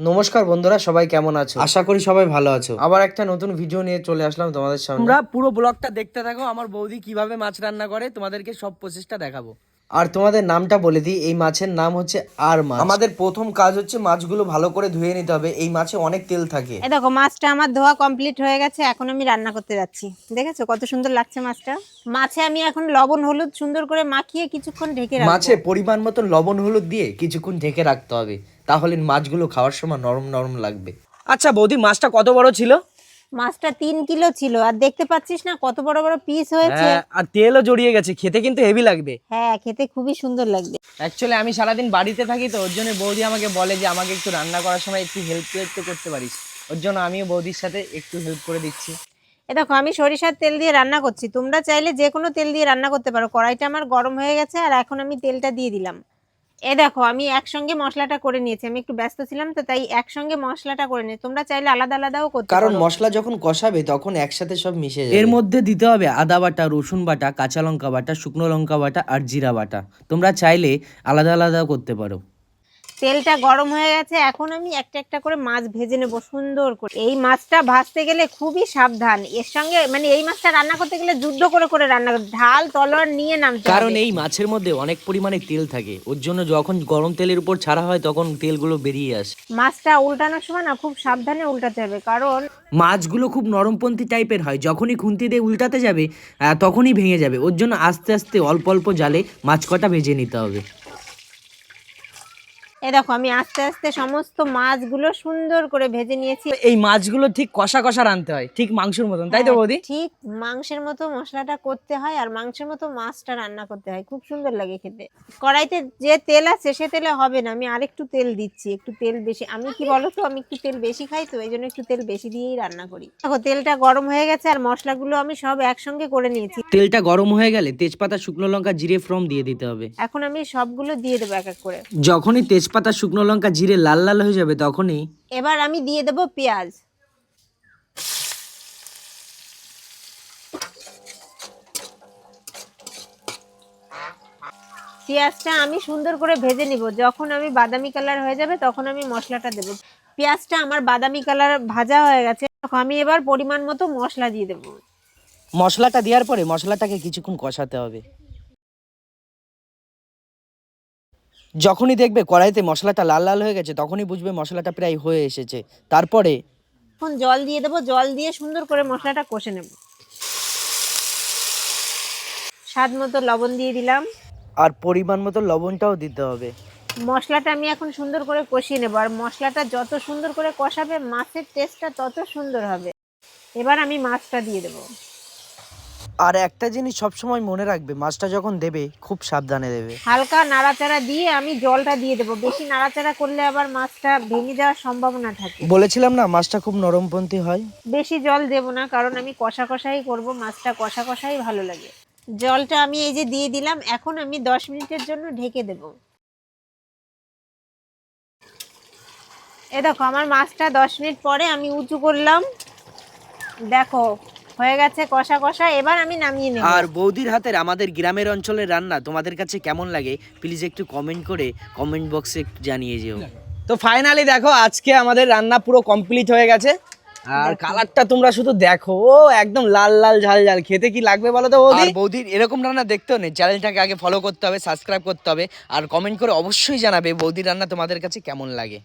নমস্কার বন্ধুরা, সবাই কেমন আছো? আশা করি সবাই ভালো আছো। আবার একটা নতুন ভিডিও নিয়ে চলে আসলাম তোমাদের সামনে। তোমরা পুরো ব্লগটা দেখতে থাকো। আমার বৌদি কিভাবে মাছ রান্না করে তোমাদেরকে সব প্রসেসটা দেখাবো। আর তোমাদের নামটা বলে দিই, এই মাছের নাম হচ্ছে আর মাছ। আমাদের প্রথম কাজ হচ্ছে মাছগুলো ভালো করে ধুয়ে নিতে হবে। এই মাছে অনেক তেল থাকে। এই দেখো মাছটা আমার ধোয়া কমপ্লিট হয়ে গেছে, এখন আমি রান্না করতে যাচ্ছি। দেখেছো কত সুন্দর লাগছে মাছটা। মাছে আমি এখন লবণ হলুদ সুন্দর করে মাখিয়ে কিছুক্ষণ ঢেকে রাখবো। মাছে পরিমাণ মতো লবণ হলুদ দিয়ে কিছুক্ষণ ঢেকে রাখতে হবে, তাহলে মাছগুলো খাওয়ার সময় নরম নরম লাগবে। আচ্ছা বৌদি, মাছটা কত বড় ছিল? মাছটা 3 কিলো ছিল, আর দেখতে পাচ্ছিস না কত বড় বড় পিস হয়েছে। হ্যাঁ, আর তেলও জড়িয়ে গেছে, খেতে কিন্তু হেভি লাগবে। হ্যাঁ, খেতে খুবই সুন্দর লাগবে। অ্যাকচুয়ালি আমি সারাদিন বাড়িতে থাকি, তো ওর জন্য বৌদি আমাকে বলে যে আমাকে একটু রান্না করার সময় একটু হেল্প তো করতে পারিস। ওর জন্য আমিও বৌদির সাথে একটু হেল্প করে দিচ্ছি। এই দেখো আমি সরিষার তেল দিয়ে রান্না করছি, তোমরা চাইলে যে কোনো তেল দিয়ে রান্না করতে পারো। কড়াইটা আমার গরম হয়ে গেছে, আর এখন আমি তেলটা দিয়ে দিলাম। এ দেখো আমি একসঙ্গে মশলাটা করে নিয়েছি, আমি একটু ব্যস্ত ছিলাম তো তাই একসঙ্গে মশলাটা করে নিয়েছি। তোমরা চাইলে আলাদা আলাদাও করতে পারো, কারণ মশলা যখন কষাবে তখন একসাথে সব মিশে যাবে। এর মধ্যে দিতে হবে আদা বাটা, রসুন বাটা, কাঁচা লঙ্কা বাটা, শুকনো লঙ্কা বাটা আর জিরা বাটা। তোমরা চাইলে আলাদা আলাদাও করতে পারো। তেলটা গরম হয়ে গেছে, এখন আমি একটা একটা করে মাছ ভেজে নেবো সুন্দর করে। এই মাছটা ভাজতে গেলে খুবই সাবধান, এর সঙ্গে মানে এই মাছটা রান্না করতে গেলে যুদ্ধ করে করে রান্না করতে, ঢাল তলোয়ার নিয়ে নামতে হবে। কারণ এই মাছের মধ্যে অনেক পরিমাণে তেল থাকে, ওর জন্য যখন গরম তেলের উপর ছাড়া হয় তখন তেলগুলো বেরিয়ে আসে। মাছটা উল্টানোর সময় না খুব সাবধানে উল্টাতে হবে, কারণ মাছগুলো খুব নরমপন্থী টাইপের হয়, যখনই খুন্তি দিয়ে উল্টাতে যাবে তখনই ভেঙে যাবে। ওর জন্য আস্তে আস্তে অল্প অল্প জালে মাছ কটা ভেজে নিতে হবে। এ দেখো আমি আস্তে আস্তে সমস্ত মাছগুলো সুন্দর করে ভেজে নিয়েছি। এই মাছগুলো ঠিক কষা কষা রানতে হয়, ঠিক মাংসের মতন, তাই তো বৌদি? ঠিক মাংসের মতো মশলাটা করতে হয়, আর মাংসের মতো মাছটা রান্না করতে হয়, খুব সুন্দর লাগে খেতে। কড়াইতে যে তেল আছে সে তেলে হবে না, আমি আরেকটু তেল দিচ্ছি, একটু তেল বেশি। আমি কি বলতো, আমি একটু তেল বেশি খাই, তো এই জন্য একটু তেল বেশি দিয়েই রান্না করি। দেখো তেলটা গরম হয়ে গেছে, আর মশলাগুলো আমি সব একসঙ্গে করে নিয়েছি। তেলটা গরম হয়ে গেলে তেজপাতা, শুকনো লঙ্কা, জিরে ফোড়ন দিয়ে দিতে হবে। এখন আমি সবগুলো দিয়ে দেবো এক এক করে। যখনই তেজপাতা, শুকনো লঙ্কা, জিরে লাল লাল হয়ে যাবে তখনই এবার আমি দিয়ে দেবো পেঁয়াজ। পেঁয়াজটা আমি সুন্দর করে ভেজে নিব, যখন আমি বাদামি কালার হয়ে যাবে তখন আমি মশলাটা দেব। পেঁয়াজটা আমার বাদামি কালার ভাজা হয়ে গেছে, আমি এবার পরিমাণ মতো মশলা দিয়ে দেব। মশলাটা দেওয়ার পরে মশলাটাকে কিছুক্ষণ কষাতে হবে। যখনই দেখবে কড়াইতে মশলাটা লাল লাল হয়ে গেছে তখনই বুঝবে মশলাটা প্রায় হয়ে এসেছে। তারপরে এখন জল দিয়ে দেবো, জল দিয়ে সুন্দর করে মশলাটা কষে নেব। স্বাদ মতো লবণ দিয়ে দিলাম, আর পরিমাণ মতো লবণটাও দিতে হবে। মশলাটা আমি এখন সুন্দর করে কষিয়ে নেব, আর মশলাটা যত সুন্দর করে কষাবে মাছের টেস্টটা তত সুন্দর হবে। এবার আমি মাছটা দিয়ে দেবো। আর একটা জিনিস সবসময় মনে রাখবে, মাছটা যখন দেবে খুব সাবধানে দেবে। হালকা নাড়াচাড়া দিয়ে আমি জলটা দিয়ে দেবো, বেশি নাড়াচাড়া করলে আবার মাছটা ভেঙে যাওয়ার সম্ভাবনা থাকে। বলেছিলাম না মাছটা খুব নরমপন্থী হয়। বেশি জল দেব না, কারণ আমি কষা কষাই করব, মাছটা কষা কষাই ভালো লাগে। জলটা আমি এই যে দিয়ে দিলাম, এখন আমি 10 মিনিটের জন্য ঢেকে দেব। এ দেখো আমার মাছটা 10 মিনিট পরে আমি উঁচু করলাম, দেখো হয়ে গেছে কষা কষা। এবার আমি নামিয়ে নেব। আর বৌদির হাতের আমাদের গ্রামের অঞ্চলের রান্না তোমাদের কাছে কেমন লাগে প্লিজ একটু কমেন্ট করে কমেন্ট বক্সে একটু জানিয়ে যেও। তো ফাইনালি দেখো আজকে আমাদের রান্না পুরো কমপ্লিট হয়ে গেছে। আর কালারটা তোমরা শুধু দেখো, ও একদম লাল লাল ঝাল ঝাল। খেতে কি লাগবে বলো তো বৌদি? আর বৌদির এরকম রান্না দেখতেও নেই, চ্যানেলটাকে আগে ফলো করতে হবে, সাবস্ক্রাইব করতে হবে, আর কমেন্ট করে অবশ্যই জানাবে বৌদির রান্না তোমাদের কাছে কেমন লাগে।